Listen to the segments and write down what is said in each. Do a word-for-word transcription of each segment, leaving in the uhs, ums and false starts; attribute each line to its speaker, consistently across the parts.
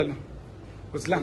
Speaker 1: उचला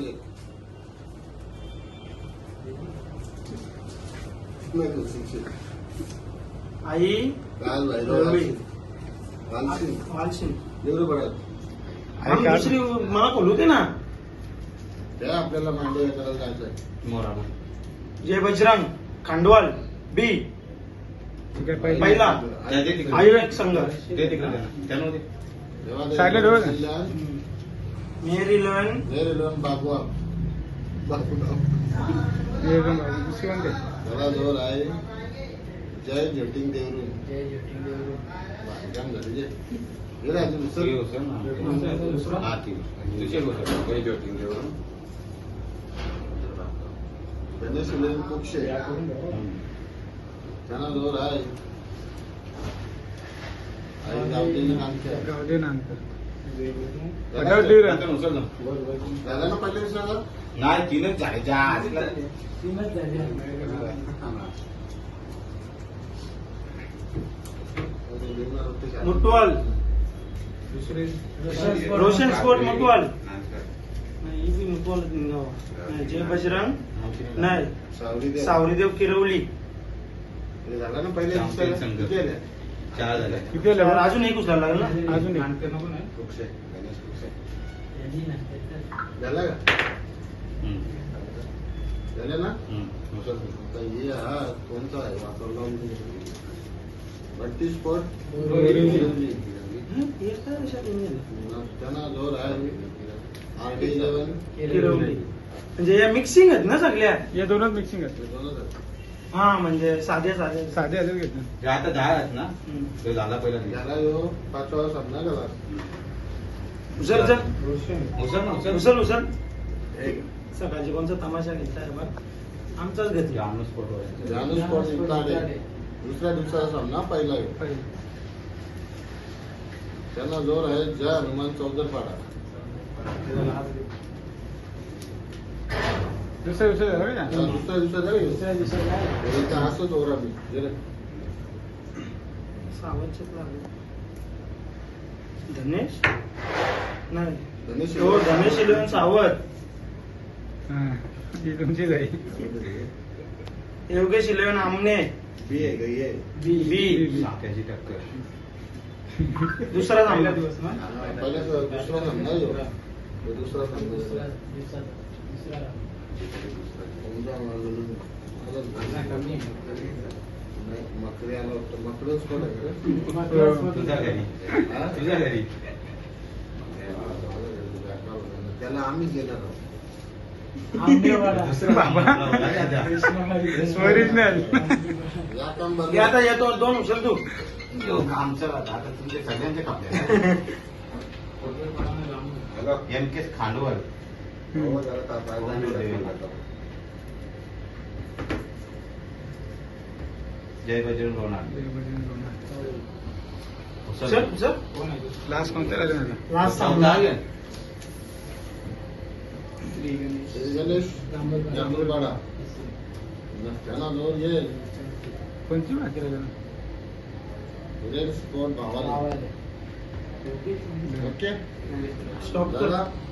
Speaker 2: आई
Speaker 3: लाल
Speaker 2: रवी.
Speaker 3: वालसिंग
Speaker 2: वालशिंग.
Speaker 3: देवरू पडत
Speaker 2: आम्ही दुसरी मला बोलू दे ना.
Speaker 3: त्या आपल्याला मांडे करायला जायचंय
Speaker 4: मोरा
Speaker 2: जय बजरंग खांडवाल बी पहिला आयुर्वेद संघ.
Speaker 4: ते तिकडे त्यानं ते
Speaker 1: साईडला डोळे का?
Speaker 3: जिल्हा
Speaker 2: मेहर इलेवन
Speaker 3: मेरे लोन बाबू बाबू
Speaker 1: दुसरी म्हणते
Speaker 3: जरा जोर आहे जय जटिंग देवरू काम झाले जे हे राजू
Speaker 4: दुसरी
Speaker 3: दुसरं
Speaker 4: गोष्ट ना हा ती दुसरी गोष्ट काही जोटिंग देऊन
Speaker 3: गणेश इलेवन कुक्षे त्यांना जोर आहे आई गावठी नामच्या
Speaker 1: गावडे नानकर
Speaker 3: झालं ना पहिले विसरलं
Speaker 4: नाही तीनच झाले ज्या आधीला
Speaker 2: मुटवाल रोशन स्पोर्ट मुटवाल. नाही ही बी मुटवाल गाव. नाही, जय बजरंग नाही
Speaker 3: सावरी दे
Speaker 2: सावरीदेव किरवली.
Speaker 3: हे झालं ना पहिले
Speaker 4: चांगले
Speaker 3: विसरलं.
Speaker 4: संघ.
Speaker 3: किती आले?
Speaker 4: चार झाले
Speaker 1: किती आले बा?
Speaker 2: अजून एक उचलायला लागेल ना.
Speaker 1: अजून एक.
Speaker 3: कुक्षे गणेश कुक्षे झालं का
Speaker 4: हम्म.
Speaker 3: झालं ना
Speaker 4: हम्म.
Speaker 3: आता हे हा कोणता आहे वापरला बत्तीस स्पोर्ट
Speaker 2: हं, हेच काय लक्षात येऊन गेलं.
Speaker 3: त्यांना जोर आहे आर डी इलेव्हन
Speaker 2: किरवली म्हणजे या मिक्सिंग आहेत ना सगळ्या.
Speaker 1: या दोनच मिक्सिंग असते
Speaker 3: दोनच आहेत.
Speaker 2: हा म्हणजे साध्या साध्या.
Speaker 1: साधे आले घेतले
Speaker 4: जे आता दहा आहेत ना
Speaker 2: हम्म.
Speaker 4: तो झाला पहिला
Speaker 3: त्याला यो पाचवा सामना झाला
Speaker 2: उचल उचल
Speaker 4: उचल ना उचल
Speaker 2: उचल उचल. सकाळची कोणचा तमाशा घेतलाय बा आमचाच घेतला.
Speaker 4: जानू स्पोर्ट वर
Speaker 3: जानू स्पोर्ट जिंकला दुसऱ्या दिवसाचा सामना पहिला आहे. त्यांना जोर आहे जय हनुमान चौदरपाडा
Speaker 1: दुसऱ्या दिवशी झालं का?
Speaker 3: दुसऱ्या दिवसात
Speaker 2: दुसऱ्या दिवसाला
Speaker 3: असंच ओरा मी जरा
Speaker 2: सावंतचेच लागले. धनेश नाही
Speaker 3: गणेश
Speaker 2: हो धनेश इलेवन सावंत.
Speaker 1: हा ही तुमची जाई
Speaker 2: योगेश इलेवन आमने
Speaker 3: बी आहे गई आहे
Speaker 2: बी बी
Speaker 4: साख्याची टक्कर
Speaker 2: दुसरा सामना दिवस ना.
Speaker 3: पहिला दुसरा सामना आहे ह्यो. तो दुसरा सामना समजा नाही, मकरी आला होता मकडच पण आहे
Speaker 4: तुझ्या घरी
Speaker 3: हा?
Speaker 4: तुझ्या घरी
Speaker 3: त्याला आम्हीच घेणार आहोत.
Speaker 4: दुसरं
Speaker 1: ओरिजिनल
Speaker 3: या काम बंद.
Speaker 2: घे आता येतो दोन उचल तू.
Speaker 4: आमचं आता तुमचे सगळ्यांचे कापले एम केस खांडवल
Speaker 3: हो, जरा तापायला.
Speaker 4: जय बजरंग रोणार
Speaker 2: उचल उचल.
Speaker 1: लास्ट कोणत्या राहिले ना?
Speaker 2: लास्ट सामना
Speaker 3: श्री गणेश जांभूळपाडा त्यांना जोर येईल
Speaker 1: कोणती बाकी राहिले ना?
Speaker 3: रेड स्पोर्ट भावाला ओके
Speaker 2: स्टॉप कर.
Speaker 3: झाला